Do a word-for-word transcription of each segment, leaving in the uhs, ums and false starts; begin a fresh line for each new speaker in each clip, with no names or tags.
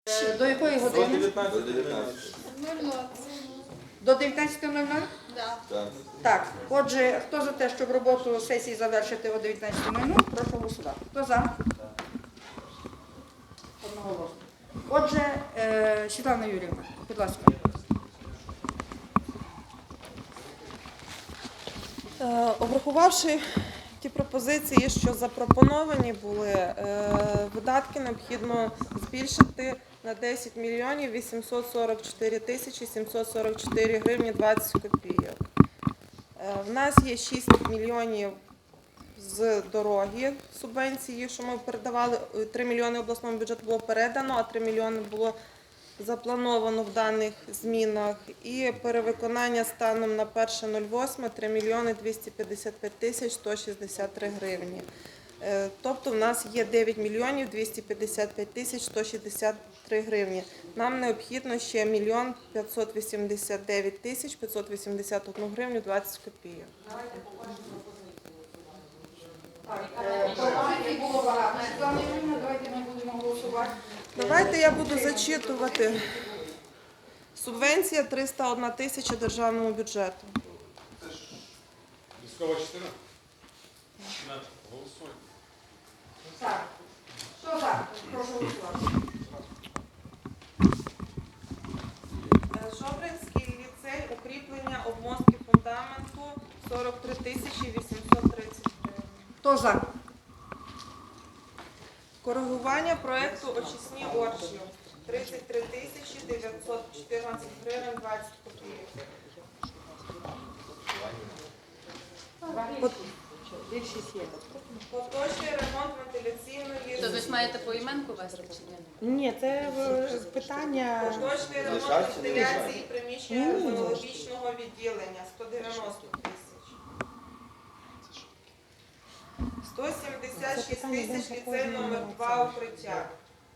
До якої години?
До дев'ятнадцятої.
До дев'ятнадцятої нуль нуль?
Так.
Так, отже, хто за те, щоб роботу сесії завершити о дев'ятнадцятій нуль нуль, прошу голосувати. Хто за? Одноголосно. Отже, е, Світлана Юріївна, будь ласка.
Е, Обрахувавши ті пропозиції, що запропоновані були, е, видатки необхідно збільшити на десять мільйонів вісімсот сорок чотири тисячі сімсот сорок чотири гривні двадцять копійок. Е, В нас є шість мільйонів з дороги субвенції, що ми передавали, три мільйони обласному бюджету було передано, а три мільйони було заплановано в даних змінах. І перевиконання станом на перше восьме три мільйони двісті п'ятдесят п'ять тисяч сто шістдесят три гривні. Е, Тобто в нас є дев'ять мільйонів двісті п'ятдесят п'ять тисяч сто шістдесят три гривні. Нам необхідно ще мільйон п'ятсот вісімдесят дев'ять тисяч п'ятсот вісімдесят одну гривню двадцять копійок.
Пропозицій було багато. Світлана Юріївна, давайте ми будемо голосувати.
Давайте я буду зачитувати. Субвенція триста одна тисяча державному бюджету.
Військова частина? Голосуємо.
Так. Хто за? Прошу голосувати.
Жовринський ліцей, укріплення обмостки фундаменту сорок три тисячі вісімсот тридцять гривень.
Хто за?
Коригування проєкту очисні орші тридцять три тисячі дев'ятсот чотирнадцять гривень двадцять копійок. Поточний ремонт вентиляційної
То ви ж маєте поіменку вести чи ні?
Ні, це е, питання.
Поточний ремонт
Лишається, не
вентиляції
лишається?
приміщення ревматологічного відділення сто дев'яносто тисяч. сто сімдесят шість тисяч ліцей номер два укриття.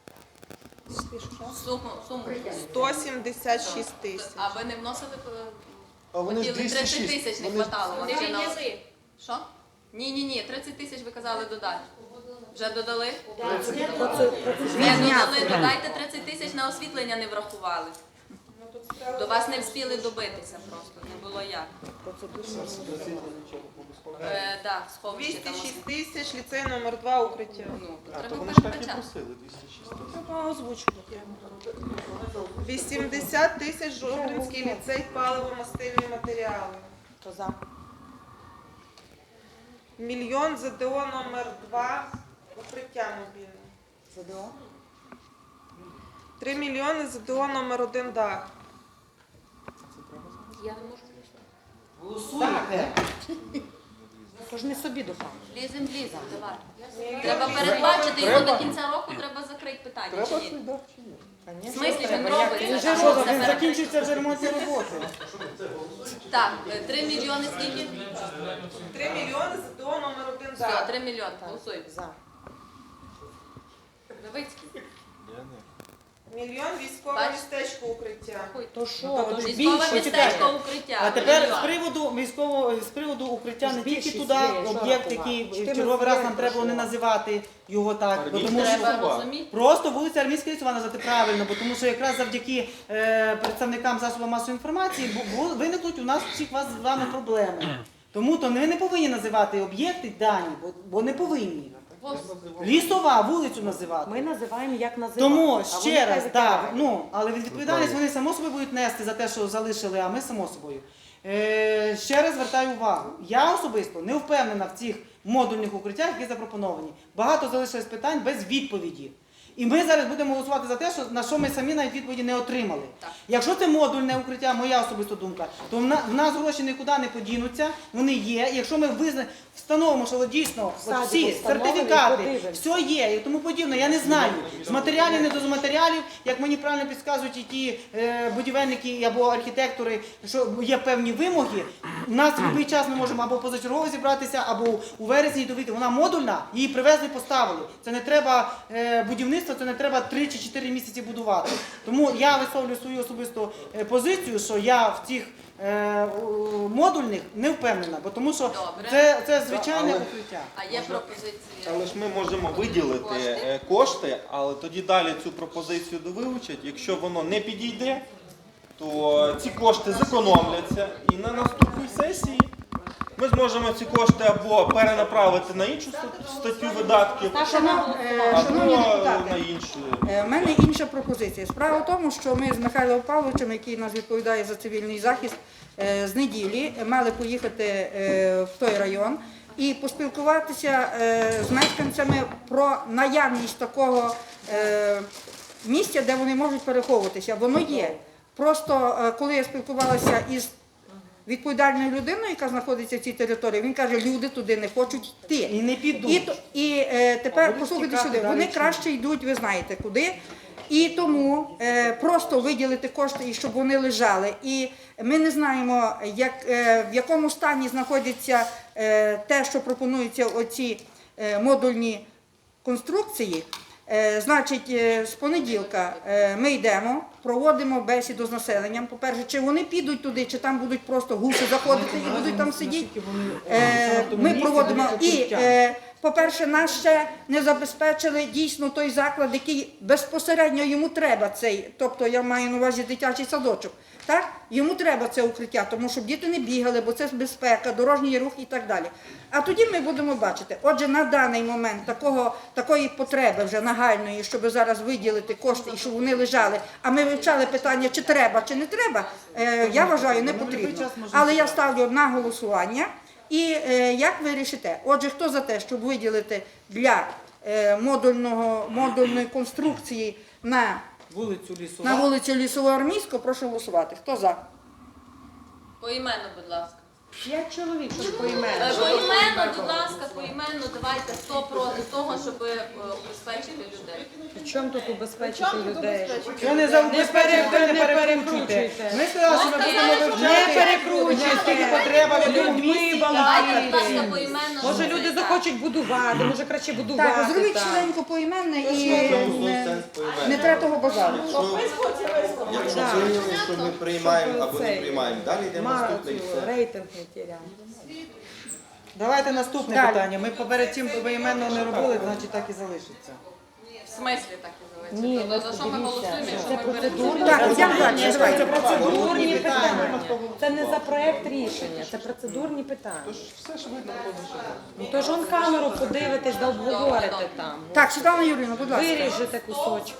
Суму, суму.
сто сімдесят шість тисяч.
А ви не вносили
А вони ж
хотіли тридцять
двісті шість.
тисяч не
Вони-
хватало вам
Не
ще на
відняли.
що? Ні, ні, ні, тридцять тисяч ви казали додати. Вже додали? Не додали, додайте тридцять тисяч на освітлення не врахували. До вас не встигли добитися просто, не було як. Е, да, сховище
двісті
там.
шість тисяч ліцей номер два укриття.
Ну, то
А, то
треба
вони ж так і
передбачати.
просили, двісті шість.
Треба озвучувати. вісімдесят тисяч Жовринський ліцей паливо-мастильні матеріали.
Хто за?
Мільйон ЗДО номер два укриття мобільне.
ЗДО?
Три мільйони ЗДО номер один дах.
Я не можу
Голосуйте. Тож не собі допомогти.
Лізем, лізем, давай.
Мільйон
Треба
військовий-
передбачити його до кінця року, треба закрити питання.
Треба
Чи
цей
ні?
дах чи ні?
В смислі він робить?
Він вже що, він закінчується вже ремонтні роботи.
Так, е, три мільйони скільки?
Три мільйони ЗДО номер один
Все,
дах.
три мільйони. Голосуємо.
За.
Новицький.
Я не.
Мільйон військове
Бач.
містечко укриття.
То що?
Військове
Більше,
містечко укриття.
А тепер
Мільйон.
з приводу військового з приводу укриття не тільки
Збільшіть
туди
своє, що
об'єкт,
рахувати?
який в
Чотирнадцять
черговий раз нам
мільйонів
треба було не
пройшло.
називати його так, бо тому що
Треба розуміти.
просто вулиця Армійська лісова назвати правильно, бо тому що якраз завдяки е, представникам засобів масової інформації бу- бу- виникнуть у нас всіх вас з вами проблеми. Тому то ви не повинні називати об'єкти дані, бо, бо не повинні. Лісова вулицю називати.
Ми називаємо як називати.
Тому
а
ще
вони
раз,
хай
так,
вибирають.
ну, але від- відповідальність вони само собою будуть нести за те, що залишили, а ми само собою. Е, ще раз звертаю увагу. Я особисто не впевнена в цих модульних укриттях, які запропоновані. Багато залишилось питань без відповіді. І ми зараз будемо голосувати за те, що, на що ми самі навіть відповіді не отримали.
Так.
Якщо це модульне укриття, моя особиста думка, то в, на, в нас гроші нікуди не подінуться, вони є. І якщо ми визна, встановимо, що дійсно от
Садимо,
всі
встановимо і
сертифікати,
подивимося.
все є і тому подібне, я не знаю. З матеріалів, не до матеріалів, як мені правильно підказують і ті е, будівельники або архітектори, що є певні вимоги. У нас в будь-який час ми можемо або позачергово зібратися, або у вересні довіти. Вона модульна, її привезли, поставили. Це не треба е, будівництва будівництва це не треба три чи чотири місяці будувати. Тому я висловлюю свою особисту е, позицію, що я в цих е, у- модульних не впевнена, бо тому що
Добре.
це, це звичайне
Але-
укриття.
А є пропозиція?
Але ж ми можемо виділити
Кошти?
е, кошти, але тоді далі цю пропозицію довивчать. Якщо воно не підійде, то ці кошти зекономляться і на наступній сесії ми зможемо ці кошти або перенаправити на іншу ста- статтю видатків,
Шанов- е, Шановні
або
депутати,
на іншу.
Е, в мене інша пропозиція. Справа в тому, що ми з Михайлом Павловичем, який нас відповідає за цивільний захист, е, з неділі мали поїхати е, в той район і поспілкуватися е, з мешканцями про наявність такого е, місця, де вони можуть переховуватися. Воно є. Просто е, коли я спілкувалася із відповідальною людиною, яка знаходиться в цій території, він каже, люди туди не хочуть йти.
І не підуть.
І, то- і е, тепер
будуть
послухайте
тікати
сюди,
далі
вони
чи ні?
краще йдуть, ви знаєте куди. І тому е, просто виділити кошти, і щоб вони лежали. І ми не знаємо, як, е, в якому стані знаходиться е, те, що пропонуються оці е, модульні конструкції. Е, Значить, е, з понеділка е, ми йдемо, проводимо бесіду з населенням. По-перше, чи вони підуть туди, чи там будуть просто гуси заходити і будуть там сидіти.
Наскільки вони,
Е,
саме в тому
Ми
місці
проводимо
буде
і,
укриття.
е, по-перше, нас ще не забезпечили дійсно той заклад, який безпосередньо йому треба цей, тобто я маю на увазі дитячий садочок. Так? Йому треба це укриття, тому щоб діти не бігали, бо це безпека, дорожній рух і так далі. А тоді ми будемо бачити. Отже, на даний момент такого, такої потреби вже нагальної, щоб зараз виділити кошти і щоб вони лежали, а ми вивчали питання, чи треба, чи не треба, е, я вважаю, не потрібно. Але я ставлю на голосування. І е, як ви рішите? Отже, хто за те, щоб виділити для е, модульного, модульної конструкції на,
Вулицю Лісова.
на вулицю Лісово-Армійську, прошу голосувати. Хто за?
Поіменно, будь ласка.
П'ять чоловік, щоб
Е,
поіменно.
Поіменно, будь ласка, поіменно, давайте хто проти того, щоб е, убезпечити людей.
В чому тут убезпечити людей?
Ви не забезпечуєте,
пере-
не
не
перекручуйте.
перекручуйте.
Ми сказали, що ми будемо
Не
вивчати,
перекручуйте.
скільки потреба в якому
Людьми
місці.
Давайте, будь ласка,
балакайте.
поіменно.
Може
щоб
люди
це-
захочуть будувати, може краще будувати.
Так, зробіть
там.
швиденько поіменне і не, не треба того базару.
Якщо виявили, що ми приймаємо або не
цей,
приймаємо, далі йдемо
Мара
наступне і
цю
все.
рейтинг не тіряємо.
Давайте наступне
Далі.
питання. Ми поперед цим поіменно не робили, значить так і залишиться.
В смислі так і залишиться?
Ні,
Тобто,
ну,
за що ми
дивіться,
голосуємо,
це
якщо ми
процедурно.
перед
Так, йдемо далі.
Це
Давайте.
Процедурні
питання.
питання. Це не за проект рішення, це процедурні питання.
Все ж видно,
Ну то ж он камеру подивитесь, да обговорите там.
Так, Світлана Юріївна, будь ласка.
Виріжете кусочки.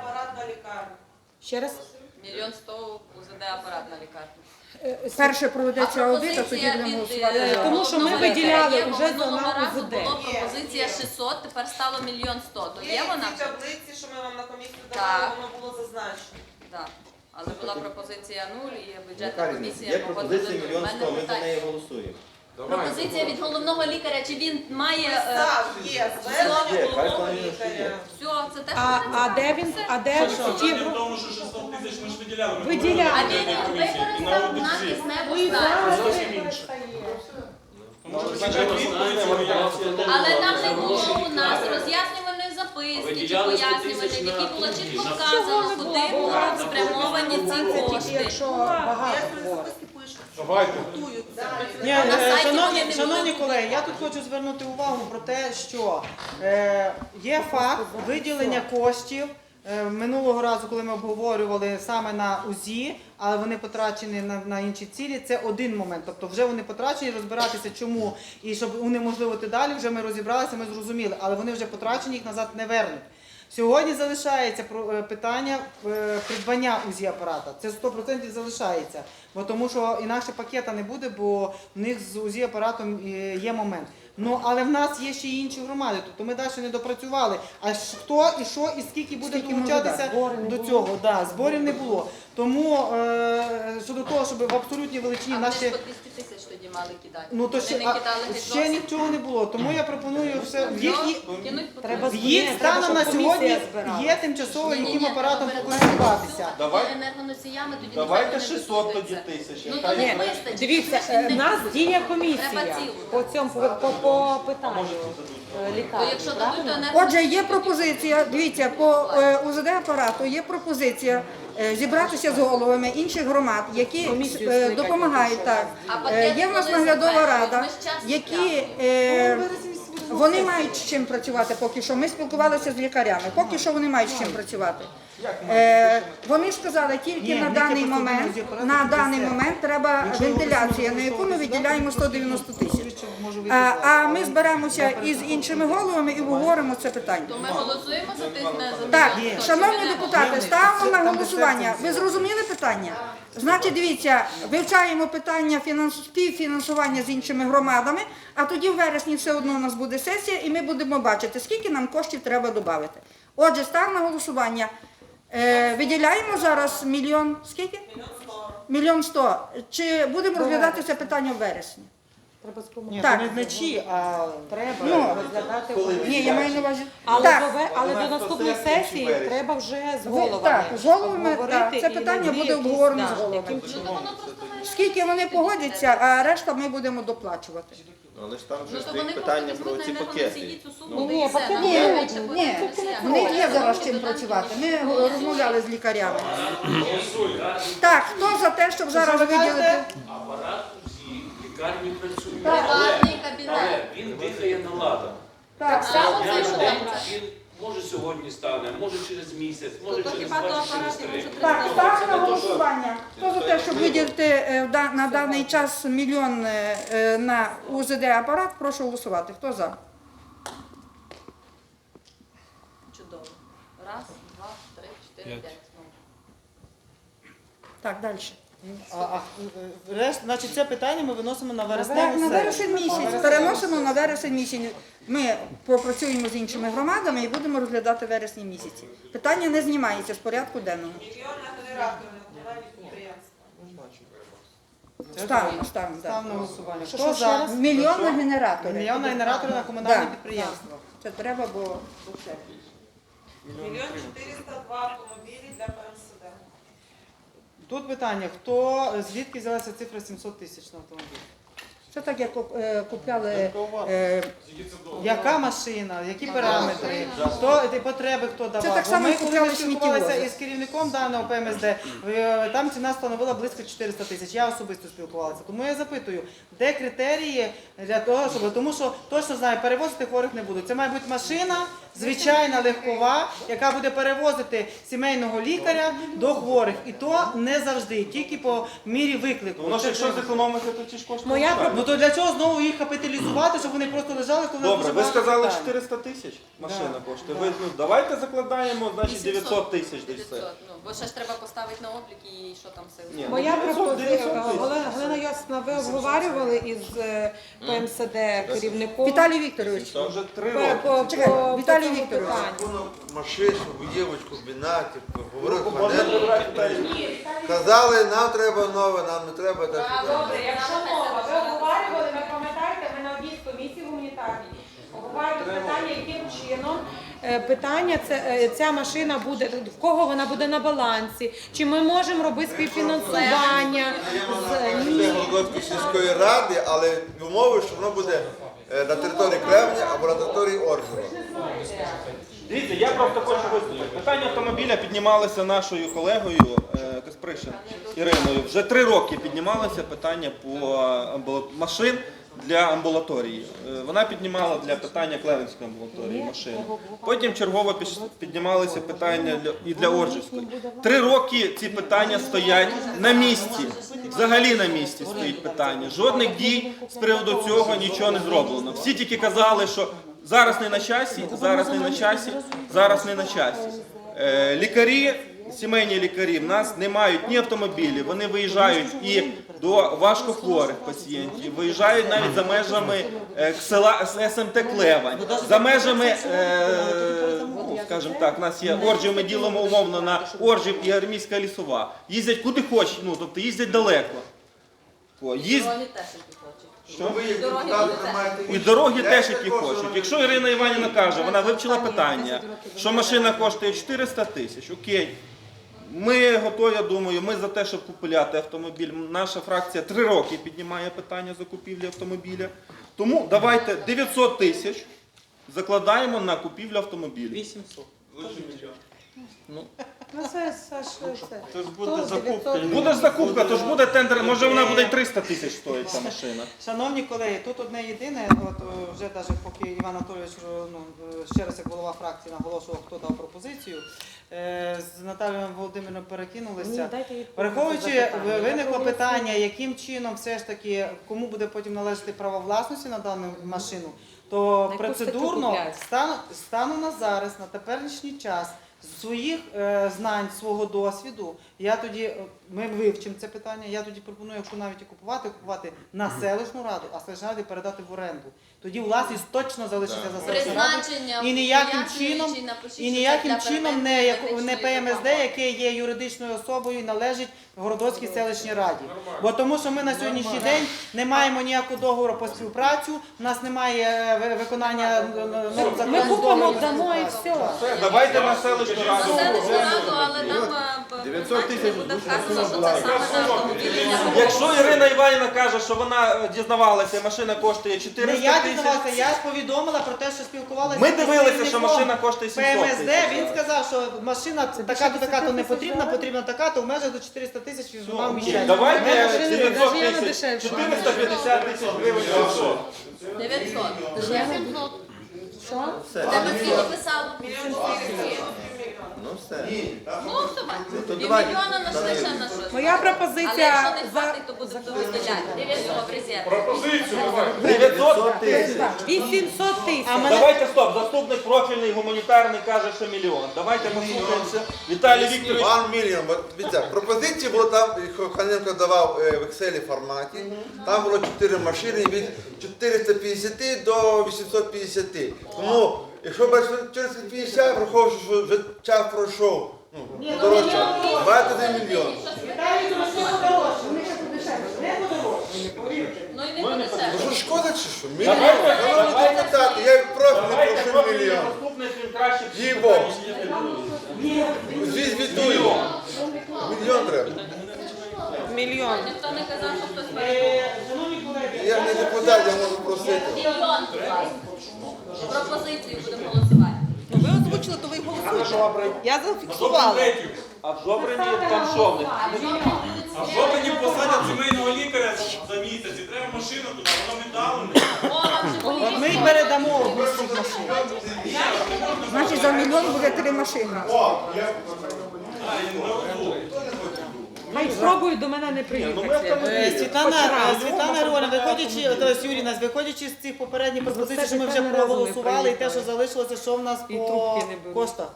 Ще раз?
мільйон сто УЗД апарат на лікарню.
Перше проведеться
А
аудит, а тоді
пропозиція
будемо
від,
голосувати.
е,
за.
Тому що ми
головного
виділяли
лікаря є, бо
уже за
минулого
на
разу
УЗД.
було пропозиція шістсот, тепер стало мільйон сто. То є вона?
в таблиці, що ми вам на комісію
Так.
давали, воно було зазначено.
Так. Але була пропозиція нуль і бюджетна
Яка різниця?
комісія
Є
погодила
пропозиція
нуль. У
мільйон
мене
сто, ми за
питання.
неї голосуємо.
Пропозиція від головного лікаря, чи він має... е,
Так, є, звернення
Є,
головного
хай планує, що є.
лікаря.
Все, це те,
А,
що
а де він? А де ті
В тому, що шістсот тисяч ми ж виділяли. Ми
Виділяли.
А
говорили
він
на
їх
комісії. І на
використав на
аудиті.
кисневу
І
станцію.
зараз
Зовсім інше. Тому що бюджетна станція,
Але там не було у нас роз'яснювальної записки чи
Виділяли сто
пояснювальної,
тисяч
в
на
якій було
ту
чітко
тиждень.
вказано, куди будуть спрямовані ці кошти.
якщо багато
Як
говорить.
записки пишуть,
Давайте.
готуються.
Ні,
А на
е,
сайті
шановні,
вони не
шановні
будуть
колеги, я тут хочу звернути увагу про те, що е, є факт виділення коштів. Е, Минулого разу, коли ми обговорювали саме на УЗІ, але вони потрачені на, на інші цілі, це один момент. Тобто вже вони потрачені, розбиратися чому і щоб унеможливити далі, вже ми розібралися, ми зрозуміли, але вони вже потрачені, їх назад не вернуть. Сьогодні залишається про- е, питання е, придбання УЗІ-апарата. Це сто відсотків залишається, бо тому що інакше пакета не буде, бо в них з УЗІ-апаратом е, є момент. Ну, але в нас є ще й інші громади, тобто ми далі не допрацювали. А ж хто і що, і скільки буде
Скільки може
долучатися
Зборів не
до
було.
цього? Да, зборів не було. Тому е, щодо того, щоб в абсолютній величині
А вони
наші...
ж по двісті тисяч тоді мали кидати.
Ну, то
Вони
ще,
не
а,
кидали геть
ще
зовсім.
нічого не було, тому я пропоную все... В їх,
Ну, кинуть по
Треба
в їх
Ні, треба,
станом на
щоб комісія
сьогодні
збирала.
є тимчасово
Ні-ні-ні,
яким апаратом
треба
покористуватися.
Давай-
енергоносіями, тоді
Давайте
ніхто не
шістсот
дослухається.
тоді тисяч,
Ну
яка
то
є.
не вистачить.
Дивіться,
Це ж
е,
не-
в нас діє
Треба
комісія
цілу.
по цьому по, по, по питанню.
Може, ці дадуть.
То
лікарні,
якщо дадуть, то
правильно?
не
Отже, є пропозиція, дивіться, по е, У З Д апарату є пропозиція е, зібратися з головами інших громад, які
Комісію
е,
скликати,
допомагають. Так.
А
Е,
пакет
Є в нас
коли
наглядова
затвердять?
рада,
Ми ж час
які е, вони мають з чим працювати поки що. Ми спілкувалися з лікарями, поки що вони мають з чим працювати. Е, вони сказали, тільки
Ні,
на
ні,
даний
ті
момент,
процедурні апарати
на
це
даний
все.
момент треба
Якщо його
вентиляція, на яку ми
використовувати
виділяємо
сюди,
сто дев'яносто тисяч.
швидше може вийти
А,
з
а
вас.
ми зберемося із іншими головами і обговоримо це питання.
То ми голосуємо за тих не за
Так,
мільйон сто,
шановні
чи ми не
депутати, ставимо на голосування. Ви зрозуміли питання? Значить, дивіться, вивчаємо питання фінанс- співфінансування з іншими громадами, а тоді в вересні все одно у нас буде сесія, і ми будемо бачити, скільки нам коштів треба додати. Отже, став на голосування. Е, виділяємо зараз мільйон, скільки? Мільйон сто. Чи будемо розглядати це питання в вересні?
Треба з
Ні,
Так.
то не вночі, а
Треба
Ну,
розглядати.
Ні, я маю на увазі.
Але,
Так.
до, ве- але до наступної сесії
вересня.
треба вже з
Ви-
головами.
так, з головами,
обговорити
так, це
і
питання
знайти
буде
якісь,
обговорено
да,
з головами.
яким
Ну,
чином.
то воно просто має
Скільки вони погодяться, а решта ми будемо доплачувати.
Але ж там
Ну,
вже
то
стоїть
вони
питання
просто
про ці
візьмуть, наверное,
пакети.
всі цю суму,
Ну,
да
ні,
і все.
пакети
Нам
ні,
треба більше
ні,
подивитися.
в них є зараз чим працювати. Ми розмовляли з лікарями. Так, хто за те, щоб зараз
що ви кажете?
виділити?
Апарат усі, лікарні працюють.
Приватний
Але
кабінет.
він дихає на ладан.
Так,
Само
Дня
це,
на
що
день
там.
він може сьогодні стане, може через місяць, може
То
через
хіба до
два, через
апаратів
три.
може
так,
треба?
ставимо на голосування. Хто за те, щоб виділити е, в да- на даний час мільйон е, е, на У З Д апарат, прошу голосувати. Хто за?
Чудово. Раз, два, три, чотири, п'ять. Ну.
Так, далі.
А, а, е, решт, значить, це питання ми виносимо на
На
вересневу
вересень
сесію.
місяць. Переносимо на вересень місяць. Ми попрацюємо з іншими громадами і будемо розглядати вересні місяці. Питання не знімається з порядку денного.
Мільйон на генератор на комунальні підприємства.
Ставимо, ставимо.
Став
так.
на голосування.
Що,
Хто
що, ще
за?
раз? Мільйон на генератори.
Мільйон на генератори на комунальні
Да.
підприємства.
Це треба, бо
Мільйон чотириста два автомобілі для П М С Д.
Тут питання, хто, звідки взялася цифра сімсот тисяч на автомобіль?
це так, як е, купляли. е,
Яка машина, які параметри, хто ті потреби, хто давав.
Це так
Бо
само,
ми
як
коли
купляли
ми спілкувалися
сміттєвози.
із керівником даного П М С Д, е, там ціна становила близько чотириста тисяч. Я особисто спілкувалася. Тому я запитую, де критерії для того, щоб, тому що точно знаю, перевозити хворих не будуть. Це має бути машина, звичайна легкова, яка буде перевозити сімейного лікаря до хворих. І то не завжди, тільки по мірі виклику.
Воно ж
Це-
якщо зекономити, то ті ж кошти.
Моя
лишаються.
Ну то для чого знову їх капіталізувати, щоб вони просто лежали, коли у нас
Добре,
дуже
ви
багато
сказали
питань?
чотириста тисяч машина коштує. Ви, ну, давайте закладаємо, значить дев'ятсот тисяч десь все.
дев'ятсот. Ну, бо ще ж треба поставити на облік і що там все.
Ні,
Моя
дев'ятсот,
пропозиція,
дев'ятсот тисяч.
Галина Галина Йосипівна, ви обговорювали із е, П М С Д керівником.
Віталій Вікторович.
Це вже три
по-
роки.
по-
Чекай,
по
Віталій
цьому
Вікторович.
питанню.
Машину, будівочку, бінатів, говорив
Можна
панель.
вибирати Віталій?
Казали, нам треба нове, нам не треба так. і так.
Добре, якщо мова, ви обговорювали, ви пам'ятаєте, ми на одній з комісій гуманітарній обговорювали питання, яким чином е, питання це, е, ця машина буде, в кого вона буде на балансі, чи ми можемо робити співфінансування. з-
Це
Ні.
Вологодської сільської ради, але умови, що воно буде е, на території Кремня або на території Оржева.
Дивіться, я просто хочу висловити. Питання автомобіля піднімалося нашою колегою е, Каспришин Іриною. Вже три роки піднімалося питання по амбула- машин для амбулаторії. Е, Вона піднімала для питання Клевенської амбулаторії машини. Потім чергово піш- піднімалися питання для- і для Оржівської. Три роки ці питання стоять на місці. Взагалі на місці стоїть питання. Жодних дій з приводу цього нічого не зроблено. Всі тільки казали, що зараз не на часі, зараз не на часі, зараз не на часі. Е, Лікарі, сімейні лікарі в нас не мають ні автомобілів, вони виїжджають і до важкохворих пацієнтів, виїжджають навіть за межами е, села С М Т Клевань, за межами, е, ну, скажімо так, у нас є Оржів, ми ділимо умовно на Оржів і Армійська лісова. Їздять куди хочуть, ну, тобто їздять далеко. О, їзд...
Дороги теж які хочуть.
Що ви як
Дороги
депутати
будуть
не маєте
І
інших
дороги
ідей
теж які
також,
хочуть.
що
Якщо Ірина Іванівна каже, вона вивчила питання, що машина коштує чотириста тисяч, окей. Ми готові, я думаю, ми за те, щоб купувати автомобіль. Наша фракція три роки піднімає питання закупівлі автомобіля. Тому давайте дев'ятсот тисяч закладаємо на купівлю автомобілів.
вісімсот.
Ну це, Саш, це.
Це ж буде закупка.
Буде ж закупка, то ж буде тендер, може вона буде й триста тисяч стоїть ця машина.
Шановні колеги, тут одне єдине, от е, вже навіть поки Іван Анатолійович е, ну, е, ще раз як голова фракції наголошував, хто дав пропозицію, е, з Наталією Володимирівною перекинулися. Враховуючи, ви- виникло питання, яким чином все ж таки, кому буде потім належати право власності на дану машину, то процедурно стану, стану на зараз, на теперішній час, з своїх е, знань, свого досвіду, я тоді, е, ми вивчимо це питання, я тоді пропоную, якщо навіть і купувати, купувати на селищну раду, а селищну раду передати в оренду. Тоді власність точно залишиться за селищною радою.
Призначення
І ніяким
пояснюючи,
чином,
напишіть,
і
що це
ніяким
для
чином не,
первинної
як- не
медичної
Пе Ем Ес Де,
допомоги.
яке є юридичною особою і належить Городоцькій селищній раді. Бо тому, що ми на сьогоднішній день не маємо ніякого договору по співпрацю, у нас немає е, ви- виконання е, ну, закону
Ми купимо,
договору.
дамо і все.
Все, давайте на селищну раду.
Селищну раду, але там е,
дев'ятсот тисяч
буде вказано, що це саме на автомобілі.
Якщо Ірина Іванівна каже, що вона е, дізнавалася, машина коштує
Не
чотириста
я
тисяч.
дізнавався, я повідомила про те, що спілкувалася.
Ми
з
дивилися, що
керівником
машина коштує
Пе Ем
сімсот
Ес
тисяч.
Де, він сказав, що машина така-то, така-то не потрібна, потрібна така-то, в межах до чотириста тисяч він мав міщання.
Давайте
машини
дев'ятсот
навіть
тисяч,
дешевше.
чотириста п'ятдесят тисяч гривень.
дев'ятсот.
Що?
Тебе скільки писало?
Ну все.
Ну, давай.
то
І
давайте.
мільйона нашли ще на щось.
Моя
Але
пропозиція
якщо не
за
хватить, то будемо виділяти. дев'ятсот резерв.
дев'ятсот
тисяч.
вісімсот тисяч.
Давайте стоп, заступник профільний гуманітарний каже, що мільйон. Давайте послухаємося. Віталій Вікторович.
One million. От, дивіться, пропозиції було там, Ханенко давав е, в Excel форматі, там було чотири машини від чотириста п'ятдесят до вісімсот п'ятдесят. Тому, якщо брати чотириста п'ятдесят, враховуючи, що вже час пройшов, ну, подорожче, давайте один мільйон.
Ну і не буде все.
Ну що, шкода чи що? Мільйон? Шановні депутати, я як профільний
Давайте
прошу
профільний
мільйон.
заступник, він краще всіх
Їй-богу.
знає.
Звідвідую. Мільйон треба.
Мільйон.
Ніхто не казав, що хтось перебував.
Шановні колеги,
Я не депутат, я можу просити.
Мільйон, будь ласка. Пропозицію будемо голосувати.
Ну ви озвучили, то ви голосуєте. Я зафіксувала.
А в Жобрині там що в них?
А що мені посадять сімейного лікаря за місяць? І треба машину туди, воно віддалене.
от ми й передамо в цих машин.
Значить, за мільйон буде три машини.
Хай спробують до мене не приїхати.
Е, Світлана, е, Світлана Григорівна, виходячи, тобто Юріна, виходячи з цих попередніх пропозицій, що ми вже проголосували, і те, що залишилося, що в нас
І
по
трубки не беруть.
коштах?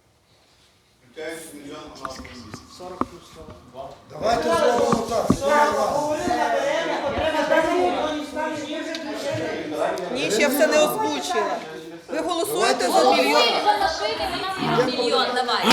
Давайте зробимо так.
Ні, ще все не озвучила. Ви голосуєте за мільйон?
За машини вона мільйон, давай.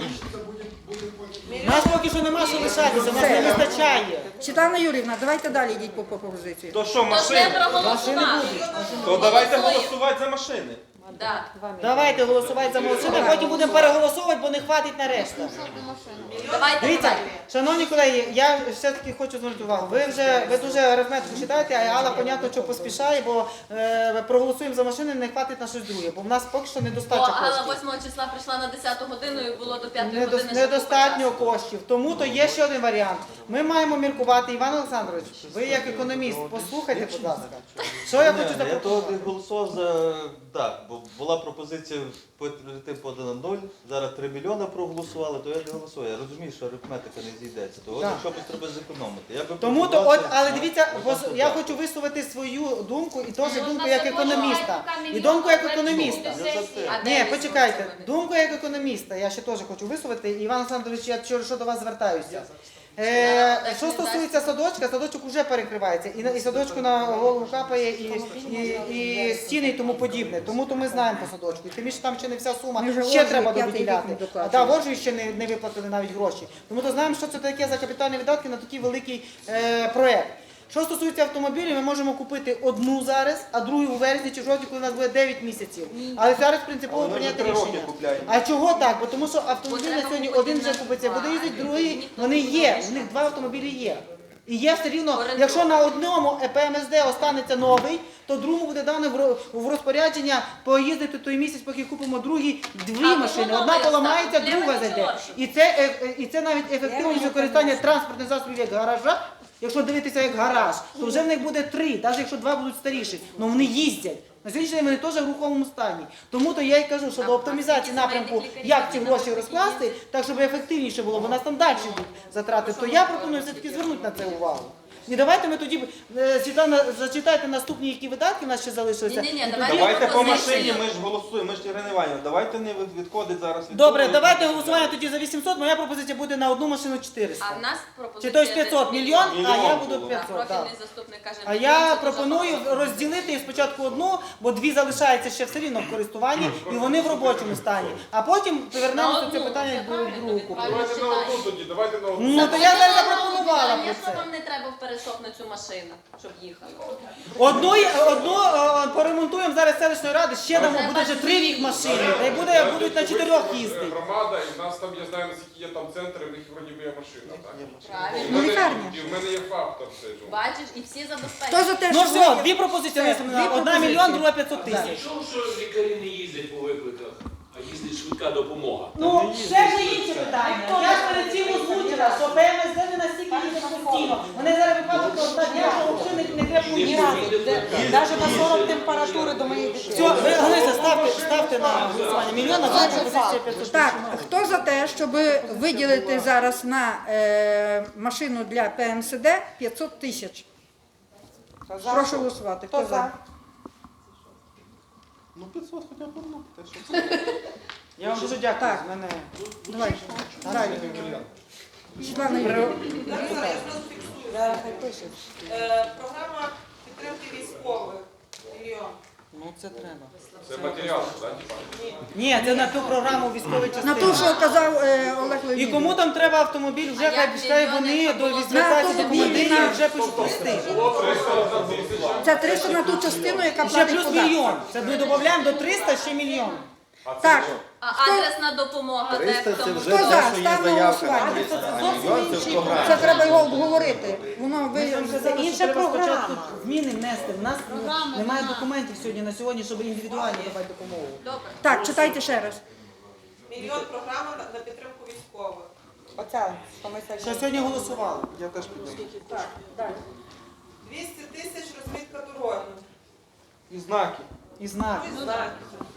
У нас поки що нема що лишатися, у нас не вистачає.
Світлана Юрівна, давайте далі йдіть по пропозиції.
То що,
Тож не
машини?
проголосували.
То давайте
Голосуємо.
голосувати за машини.
Да.
Давайте голосувати за молодшини, потім будемо переголосовувати, бо не хватить на решту.
Давайте,
Дивіться,
давайте.
шановні колеги, я все-таки хочу звернути увагу. Ви вже ви дуже арифметику читаєте, а Алла, понятно, що поспішає, бо е, проголосуємо за машини, не хватить на щось друге, бо в нас поки що
Бо
недостача
Алла
коштів.
восьмого числа прийшла на десяту годину і було до п'ятої
Недо-
години. ще
Недостатньо
купа часу.
коштів. Тому то є ще один варіант. Ми маємо міркувати. Іван Олександрович, ви як економіст, послухайте, будь ласка. Що я хочу
Я того
запропонувати?
не голосував за так, бо була пропозиція перейти подано нуль, зараз три мільйони проголосували, то я не голосую. Я розумію, що арифметика не зійдеться. То от
Так.
якщо б треба зекономити. Я би
Тому то,
пропонував
от,
це-
але дивіться,
Ну,
ось я
так.
хочу висловити свою думку і теж
Ну,
думку
можна
як
це
економіста.
можна,
І думку як
але
економіста.
буде сесія. А де
Ні,
ви
почекайте.
слухаєте?
Думку як економіста, я ще теж хочу висловити. Іван Олександрович, я через що до вас звертаюся. Е, що стосується садочка, садочок вже перекривається. І, на- і садочку на голову капає, і, і, і стіни і тому подібне. Тому то ми знаємо по садочку. І тим більше там ще не вся сума,
Ми вже
ще
Ользі
треба
п'ятий рік
виділяти.
не
А
доплачуємо.
да, Воржу ще не, не виплатили навіть гроші. Тому то знаємо, що це таке за капітальні видатки на такий великий е, проект. Що стосується автомобілів, ми можемо купити одну зараз, а другу у вересні чи жовтні, коли у нас буде дев'ять місяців. Але зараз принципово
Але ми
прийняти
вже три роки
рішення.
купляємо.
А чого так? Бо тому що автомобіль
Бо
на
треба
сьогодні
купити
один вже
на
купиться,
два,
буде їздити
а
другий,
ніхто
вони
не
є,
буде.
у них два автомобілі є. І є все рівно,
Орієнтовно.
якщо на одному ПМСД останеться новий, то другому буде дано в ро- в розпорядження поїздити той місяць, поки купимо другі дві
А,
машини.
воно
Одна
новий
поламається,
стане,
друга
для
зайде.
мене
І це, е, е, і це навіть ефективність використання транспортних засобів як гаража. Якщо дивитися як гараж, то вже в них буде три, навіть якщо два будуть старіші. Ну вони їздять. На сьогоднішній день вони теж в рухомому стані. Тому то я й кажу, що
А
до оптимізації
скільки
напрямку,
сімейних лікарів
як ці
на
гроші
такі
розкласти, так щоб ефективніше було, бо нас там далі йдуть затрати, то я пропоную все-таки звернути на це увагу. І давайте ми тоді, е, Світлана, зачитайте наступні, які видатки в нас ще залишилися.
Ні-ні-ні,
І
давайте
тоді-
Давайте по
пропозицію.
машині, ми ж голосуємо, ми ж Ірина Іванівна, давайте не від- відходить зараз від
Добре,
того.
давайте голосування тоді за вісімсот, моя пропозиція буде на одну машину чотириста.
А в нас
Чи
пропозиція...
то й п'ятсот мільйон, а я
Мільйон
буду
було.
А
п'ятсот. так.
профільний заступник каже...
А
мільйон,
я
це дуже
пропоную
багато.
розділити їх спочатку одну, бо дві залишаються ще все рівно в користуванні, і вони в робочому стані. А потім повернемося до цього питання до другого купу.
Давайте на одну тоді, давайте на одну.
Ну то я зараз запропонувала про
Звісно,
це.
вам не треба в перешок на цю машину, щоб їхали.
Одну, одну е, поремонтуємо зараз селищної ради, ще дамо, буде вже три їх машини, та й буде, будуть на чотирьох їздити.
Громада, і в нас там, я знаю, наскільки є там центри, в них вроді би є машина, так?
Правильно.
І в мене-
лікарня.
І в мене є фактор цей. ну.
Бачиш, і всі
Хто
забезпечені.
за те,
Ну
що
все,
ви-
дві пропозиції
Дві
висунули. Одна
пропозиції.
мільйон, друга п'ятсот тисяч.
Чув, що лікарі не їздять по викликах, а їздить швидка допомога.
Ну, ще ж інше питання. Я ж перед цим озвучила, що ПМСД не настільки їздять постійно. Вони зараз випадку одна дня, що взагалі не крепко ні разу.
Навіть на сорок температури до моєї дитини.
Все, ви, Галися, ставте, ставте на голосування. Мільйон, а друга пропозиція п'ятсот.
Так, хто за те, щоб виділити зараз на е, машину для ПМСД п'ятсот тисяч? Прошу голосувати. Хто за?
Ну п'ятсот хоча б одну, те, що це.
Я вам дуже дякую.
Так.
з мене.
Давай. Далі. Світлана Юрійовна.
Е, Програма підтримки військових. Мільйон.
Ну це треба.
Це матеріал, так?
Ні, це на ту програму військової
На
частини.
ту, що казав е, Олег
І
Леонідович.
кому там треба автомобіль, вже
А
хай
як
пішли вони
мільйони
до
було
візитації
на
до командирів,
автомобіль,
вже пишуть листи.
Це триста на ту частину, яка
І ще
платить
плюс
податки.
мільйон. Це ми додаємо до триста ще мільйон.
Так,
А адресна допомога, де
триста
в
це
тому
вже
Хто
те,
за?
що є
Ставимо
заявка.
голосування.
А мільйон це в програмі.
це треба його обговорити. Воно ви
Це
інша програма.
Зміни внести. У нас немає документів сьогодні на сьогодні, щоб індивідуально давати допомогу.
добре.
так, читайте ще раз.
Мільйон програма на на підтримку військових.
Оця, що ми
Що
сьогодні.
сьогодні голосували?
Я теж підняв.
двісті тисяч розмітка дороги.
І знаки.
І знаки.
Ну, знаки.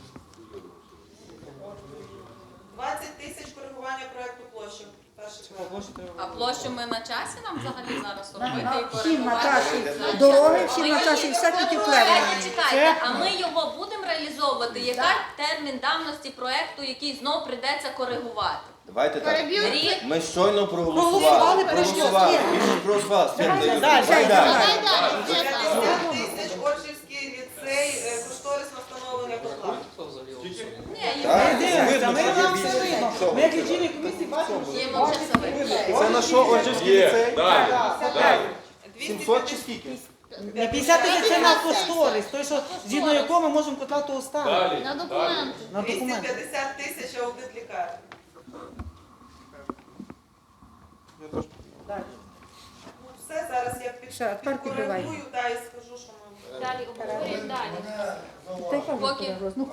двадцять тисяч коригування проекту площі. Перший проект.
А площу ми на часі нам взагалі зараз робити і
Всім на
коригувати?
часі дороги, всім на часі все тільки вклеєно.
Чекайте, чекайте, а ми його будемо реалізовувати? Яка термін давності проекту, який знов придеться коригувати?
Давайте так.
Рік?
Ми щойно проголосували.
Проголосували,
Проголосували. Більше проголосували. Свята,
Далі.
давай далі.
п'ятдесят тисяч Оршівський ліцей, е, кошторисне встановлення котла.
Ні,
Так.
Дивимося, ми вам все видно. Ми як лічильні комісії бачимо.
є мовчасовий.
Це на що Оржівський
Є,
ліцей?
далі, далі.
сімсот чи скільки?
На п'ятдесят тисяч це на кошторис, той, що згідно якого ми можемо котла того ставити.
Далі.
На
далі.
документи.
На
двісті
документи.
п'ятдесят тисяч аудит лікарні.
Я теж
Ну, все, зараз я під,
Все, тепер підбивай.
підкоригую, да, і скажу, що ми...
Далі обговорюємо далі.
Поки...
Ну,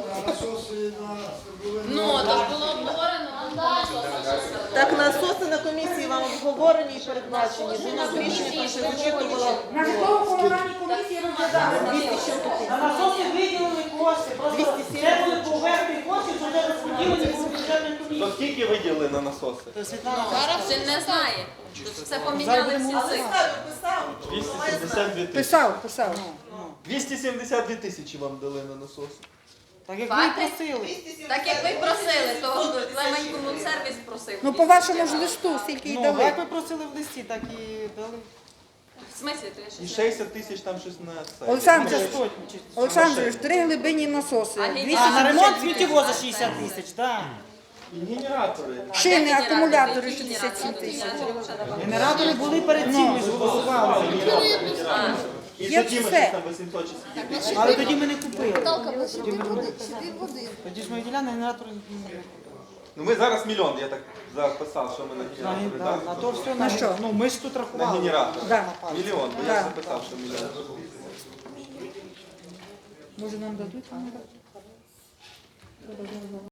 Ну, то ж було обговорено.
Так, насоси на комісії вам обговорені і передбачені. Ви нас рішення там ще зачитувало.
на житлово-комунальній комісії розглядали.
На насоси виділили кошти, просто це були поверхні кошти, що вже розподілені по бюджетній
То
комісії.
скільки виділили на насоси?
То Світлана,
Ще не знає. Це поміняли всі цифри.
Писав, писав.
двісті сімдесят дві тисячі.
Писав, писав.
двісті сімдесят дві тисячі вам дали на насоси.
так як ви
Факти?
просили.
Так як ви просили, то Клеменькому сервіс просив.
Ну, по вашому ж листу, скільки й
Ну,
дали.
як ви просили в листі, так і дали.
В смислі, то я
І
ще
шістдесят тисяч там щось на це.
Олександр,
Це сотні. чи-
Олександрович, три глибинні насоси.
А
двісті
А, на ремонт
сімдесят
сміттєвоза шістдесят тисяч, так.
І генератори.
Шини, акумулятори шістдесят сім тисяч.
Генератори були перед цим, ми ж голосували.
І
Є
тоді ми
все.
щось там вісімсот чи скільки.
Але тоді ми не купили.
Наталка, сюди води, сюди води.
Тоді ж ми виділяли, генератори не купили.
Ну ми зараз мільйон, я так записав, що ми на
На,
генератори,
да,
так?
на то все,
На
на,
що?
ну ми ж тут
На
рахували.
генератор.
Да.
Мільйон, бо
Да.
я записав, що мільйон.
Може нам дадуть?